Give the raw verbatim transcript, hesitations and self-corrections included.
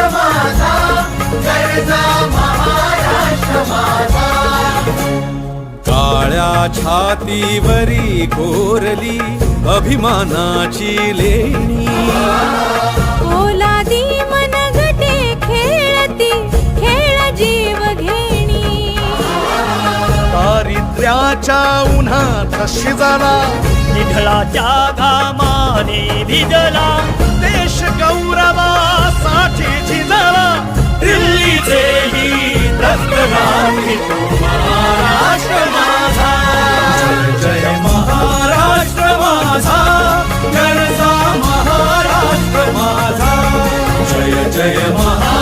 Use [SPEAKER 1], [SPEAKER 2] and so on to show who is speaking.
[SPEAKER 1] महाराष्ट्र माझा, गरजा महाराष्ट्र माझा.
[SPEAKER 2] काळ्या छातीवरी कोरली अभिमानाची लेणी,
[SPEAKER 3] ओलादी मनगटे खेळती खेळ जीव घेणी.
[SPEAKER 4] दारिद्र्याच्या उन्हात शिजला,
[SPEAKER 5] निढळाच्या घामाने भिजला,
[SPEAKER 4] देश गौरवासाठी झिजला.
[SPEAKER 1] दिल्लीचेही रक्तगाठी तो महाराष्ट्र माझा. जय जय महाराष्ट्र माझा, गरजा महाराष्ट्र माझा. जय जय महाराष्ट्र